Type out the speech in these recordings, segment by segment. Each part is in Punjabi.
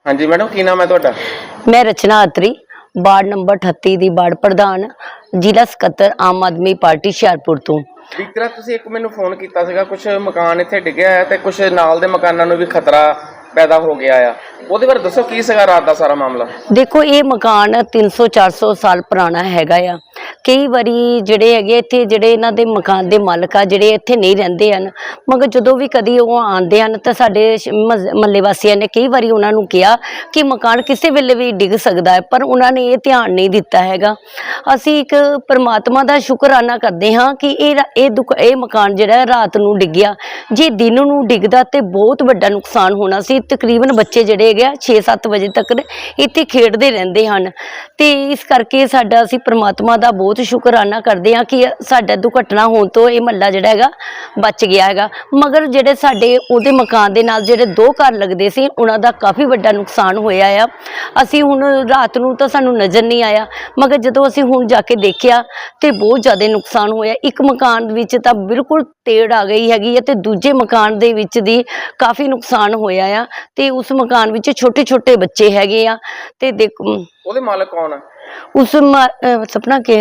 हाँ जी मैडम, की नाम है तुहाडा? मैं रचना अत्री वार्ड नंबर 38 दी वार्ड प्रधान जिला ਸਕੱਤਰ आम आदमी पार्टी ਹੁਸ਼ਿਆਰਪੁਰ ਤੋਂ। बीतरा तुसीं एक मैनूं फोन कीता सीगा, कुछ मकान इत्थे डिग्गिआ है ते कुछ नाल दे मकानां नूं भी खतरा पैदा हो गया आ, ਉਹਦੇ ਬਾਰੇ ਦੱਸੋ ਕੀ ਸੀਗਾ ਰਾਤ ਦਾ ਸਾਰਾ ਮਾਮਲਾ? देखो ये मकान 300-400 साल पुराना हैगा आ। कई बारी ਜਿਹੜੇ ਹੈਗੇ ਇੱਥੇ ਜਿਹੜੇ ਇਹਨਾਂ ਦੇ ਮਕਾਨ ਦੇ ਮਾਲਕ ਆ ਜਿਹੜੇ ਇੱਥੇ ਨਹੀਂ ਰਹਿੰਦੇ ਹਨ, ਮਗਰ ਜਦੋਂ ਵੀ ਕਦੀ ਉਹ ਆਉਂਦੇ ਹਨ ਤਾਂ ਸਾਡੇ ਮਹੱਲੇ ਵਾਸੀਆਂ ਨੇ ਕਈ ਵਾਰੀ ਉਹਨਾਂ ਨੂੰ ਕਿਹਾ ਕਿ ਮਕਾਨ ਕਿਸੇ ਵੇਲੇ ਵੀ ਡਿੱਗ ਸਕਦਾ ਹੈ, ਪਰ ਉਹਨਾਂ ਨੇ ਇਹ ਧਿਆਨ ਨਹੀਂ ਦਿੱਤਾ ਹੈਗਾ। ਅਸੀਂ ਇੱਕ ਪਰਮਾਤਮਾ ਦਾ ਸ਼ੁਕਰਾਨਾ ਕਰਦੇ ਹਾਂ ਕਿ ਇਹ ਮਕਾਨ ਜਿਹੜਾ ਰਾਤ ਨੂੰ ਡਿੱਗਿਆ। ਜੇ ਦਿਨ ਨੂੰ ਡਿੱਗਦਾ ਤੇ ਬਹੁਤ ਵੱਡਾ ਨੁਕਸਾਨ ਹੋਣਾ ਸੀ। ਤਕਰੀਬਨ ਬੱਚੇ ਜਿਹੜੇ ਹੈਗੇ 6-7 ਵਜੇ ਤੱਕ ਇੱਥੇ ਖੇਡਦੇ ਰਹਿੰਦੇ ਹਨ ਤੇ ਇਸ ਕਰਕੇ ਸਾਡਾ ਅਸੀਂ ਪਰਮਾਤਮਾ ਦਾ ਬਹੁਤ ਸ਼ੁਕਰਾਨਾ ਕਰਦੇ ਹਾਂ ਕਿ ਸਾਡਾ ਦੁਰਘਟਨਾ ਹੋਣ ਤੋਂ ਇਹ ਮਹੱਲਾ ਜਿਹੜਾ ਹੈਗਾ ਬਚ ਗਿਆ ਹੈਗਾ। ਮਗਰ ਜਿਹੜੇ ਸਾਡੇ ਉਹਦੇ ਮਕਾਨ ਦੇ ਨਾਲ ਜਿਹੜੇ 2 ਘਰ ਲੱਗਦੇ ਸੀ ਉਹਨਾਂ ਦਾ ਕਾਫੀ ਵੱਡਾ ਨੁਕਸਾਨ ਹੋਇਆ ਆ। ਅਸੀਂ ਹੁਣ ਰਾਤ ਨੂੰ ਤਾਂ ਸਾਨੂੰ ਨਜ਼ਰ ਨਹੀਂ ਆਇਆ, ਮਗਰ ਜਦੋਂ ਅਸੀਂ ਹੁਣ ਜਾ ਕੇ ਦੇਖਿਆ ਤੇ ਬਹੁਤ ਜ਼ਿਆਦਾ ਨੁਕਸਾਨ ਹੋਇਆ। ਇੱਕ ਮਕਾਨ ਵਿੱਚ ਤਾਂ ਬਿਲਕੁਲ ਤੇੜ ਆ ਗਈ ਹੈਗੀ ਹੈ ਤੇ ਦੂਜੇ ਮਕਾਨ ਦੇ ਵਿੱਚ ਦੀ ਕਾਫੀ ਨੁਕਸਾਨ ਹੋਇਆ ਆ ਤੇ ਉਸ ਮਕਾਨ ਵਿੱਚ ਛੋਟੇ ਛੋਟੇ ਬੱਚੇ ਹੈਗੇ ਆ ਤੇ ਦੇਖੋ ਉਹਦੇ ਮਾਲਕ ਕੌਣ ਆ? ਉਸ ਸਪਨਾ ਕੇ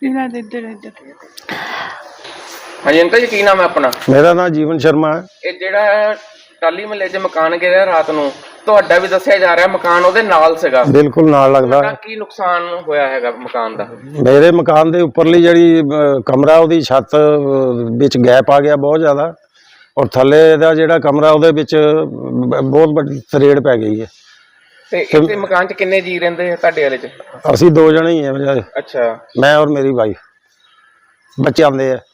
ਹਾਂਜੀ ਅੰਕਲ ਜੀ, ਕੀ ਨਾਮ ਹੈ ਆਪਣਾ? मेरा नाम जीवन शर्मा है। ਇਹ ਜਿਹੜਾ ਟਾਲੀ ਮਹੱਲੇ 'ਚ ਮਕਾਨ ਗਿਰਿਆ ਰਾਤ ਨੂੰ, ਤੁਹਾਡਾ ਵੀ ਦੱਸਿਆ ਜਾ ਰਿਹਾ ਮਕਾਨ ਉਹਦੇ ਨਾਲ ਸੀਗਾ, बिल्कुल नाल लगदा ਤੁਹਾਡਾ ਕੀ ਨੁਕਸਾਨ ਹੋਇਆ ਹੈਗਾ ਮਕਾਨ ਦਾ? मेरे मकान ਦੇ ਉੱਪਰਲੀ ਜਿਹੜੀ ਕਮਰਾ ਉਹਦੀ ਛੱਤ ਵਿੱਚ ਗੈਪ ਆ ਗਿਆ ਬਹੁਤ ਜ਼ਿਆਦਾ, ਔਰ ਥੱਲੇ ਦਾ ਜਿਹੜਾ ਕਮਰਾ ਉਹਦੇ ਵਿੱਚ ਬਹੁਤ ਵੱਡੀ ਤਰੇੜ ਪੈ ਗਈ ਹੈ। ਤੇ ਇੱਥੇ ਮਕਾਨ 'ਚ ਕਿੰਨੇ ਜੀ ਰਹਿੰਦੇ ਆ ਤੁਹਾਡੇ ਵਾਲੇ 'ਚ? ਅਸੀਂ 2 ਜਣੇ ਹੀ ਹਾਂ, ਅੱਛਾ, ਮੈਂ ਔਰ ਮੇਰੀ ਵਾਈਫ, ਬੱਚੇ ਆਉਂਦੇ ਆ।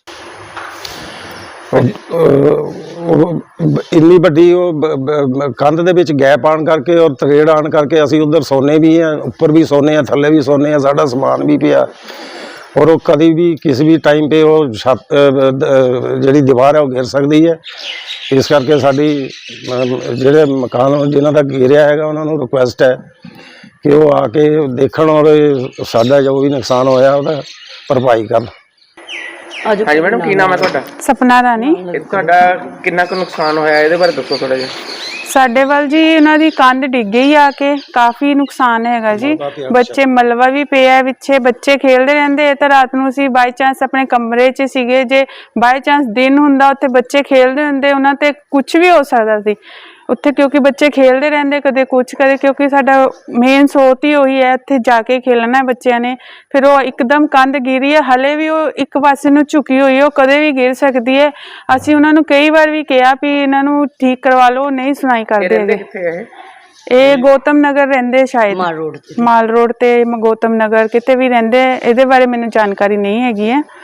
ਇੰਨੀ ਵੱਡੀ ਉਹ ਕੰਧ ਦੇ ਵਿੱਚ ਗੈਪ ਆਣ ਕਰਕੇ ਔਰ ਤਰੇੜ ਆਣ ਕਰਕੇ ਅਸੀਂ ਉਧਰ ਸੋਨੇ ਵੀ ਆ, ਉੱਪਰ ਵੀ ਸੋਨੇ ਆ, ਥੱਲੇ ਵੀ ਸੋਨੇ ਆ, ਸਾਡਾ ਸਮਾਨ ਵੀ ਪਿਆ ਔਰ ਉਹ ਕਦੀ ਵੀ ਕਿਸੇ ਵੀ ਟਾਈਮ 'ਤੇ ਉਹ ਛੱਤ ਜਿਹੜੀ ਦੀਵਾਰ ਹੈ ਉਹ ਗਿਰ ਸਕਦੀ ਹੈ। ਇਸ ਕਰਕੇ ਸਾਡੀ ਜਿਹੜੇ ਮਕਾਨ ਜਿਨ੍ਹਾਂ ਦਾ ਘੇਰਿਆ ਹੈਗਾ ਉਹਨਾਂ ਨੂੰ ਰਿਕੁਐਸਟ ਹੈ ਕਿ ਉਹ ਆ ਕੇ ਦੇਖਣ ਔਰ ਸਾਡਾ ਜੋ ਵੀ ਨੁਕਸਾਨ ਹੋਇਆ ਉਹਦਾ ਭਰਪਾਈ ਕਰਨ। ਹਾਂਜੀ ਮੈਡਮ, ਕੀ ਨਾਮ ਹੈ ਤੁਹਾਡਾ? ਸਪਨਾ ਰਾਣੀ। ਇਹ ਤੁਹਾਡਾ ਕਿੰਨਾ ਕੁ ਨੁਕਸਾਨ ਹੋਇਆ ਇਹਦੇ ਬਾਰੇ ਦੱਸੋ ਥੋੜਾ ਜਿਹਾ। ਸਾਡੇ ਵੱਲ ਜੀ ਇਹਨਾਂ ਦੀ ਕੰਧ ਡਿੱਗ ਗਈ ਆ ਕੇ, ਕਾਫੀ ਨੁਕਸਾਨ ਹੈਗਾ ਜੀ। ਬੱਚੇ ਮਲਬਾ ਵੀ ਪਿਆ ਪਿੱਛੇ, ਬੱਚੇ ਖੇਡਦੇ ਰਹਿੰਦੇ ਤਾਂ ਰਾਤ ਨੂੰ ਅਸੀਂ ਬਾਈ ਚਾਂਸ ਆਪਣੇ ਕਮਰੇ 'ਚ ਸੀਗੇ, ਜੇ ਬਾਈ ਚਾਂਸ ਦਿਨ ਹੁੰਦਾ ਉੱਥੇ ਬੱਚੇ ਖੇਡਦੇ ਹੁੰਦੇ, ਉਹਨਾਂ ਤੇ ਕੁਝ ਵੀ ਹੋ ਸਕਦਾ ਸੀ ਉੱਥੇ, ਕਿਉਂਕਿ ਬੱਚੇ ਖੇਡਦੇ ਰਹਿੰਦੇ ਕਦੇ ਕੁਛ ਕਦੇ, ਕਿਉਂਕਿ ਸਾਡਾ ਮੇਨ ਸੋਚ ਹੀ ਉਹੀ ਹੈ ਇੱਥੇ ਜਾ ਕੇ ਖੇਲਣਾ ਬੱਚਿਆਂ ਨੇ। ਫਿਰ ਉਹ ਇੱਕਦਮ ਕੰਧ ਗਿਰੀ ਹੈ, ਹਲੇ ਵੀ ਉਹ ਇੱਕ ਪਾਸੇ ਨੂੰ ਝੁਕੀ ਹੋਈ ਹੈ, ਉਹ ਕਦੇ ਵੀ ਗਿਰ ਸਕਦੀ ਹੈ। ਅਸੀਂ ਉਹਨਾਂ ਨੂੰ ਕਈ ਵਾਰ ਵੀ ਕਿਹਾ ਵੀ ਇਹਨਾਂ ਨੂੰ ਠੀਕ ਕਰਵਾ ਲਓ, ਨਹੀਂ ਸੁਣਾਈ ਕਰਦੇ ਹੈਗੇ। ਇਹ ਗੌਤਮ ਨਗਰ ਰਹਿੰਦੇ ਸ਼ਾਇਦ, ਮਾਲ ਰੋਡ ਤੇ ਗੌਤਮ ਨਗਰ ਕਿਤੇ ਵੀ ਰਹਿੰਦੇ, ਇਹਦੇ ਬਾਰੇ ਮੈਨੂੰ ਜਾਣਕਾਰੀ ਨਹੀਂ ਹੈਗੀ ਹੈ।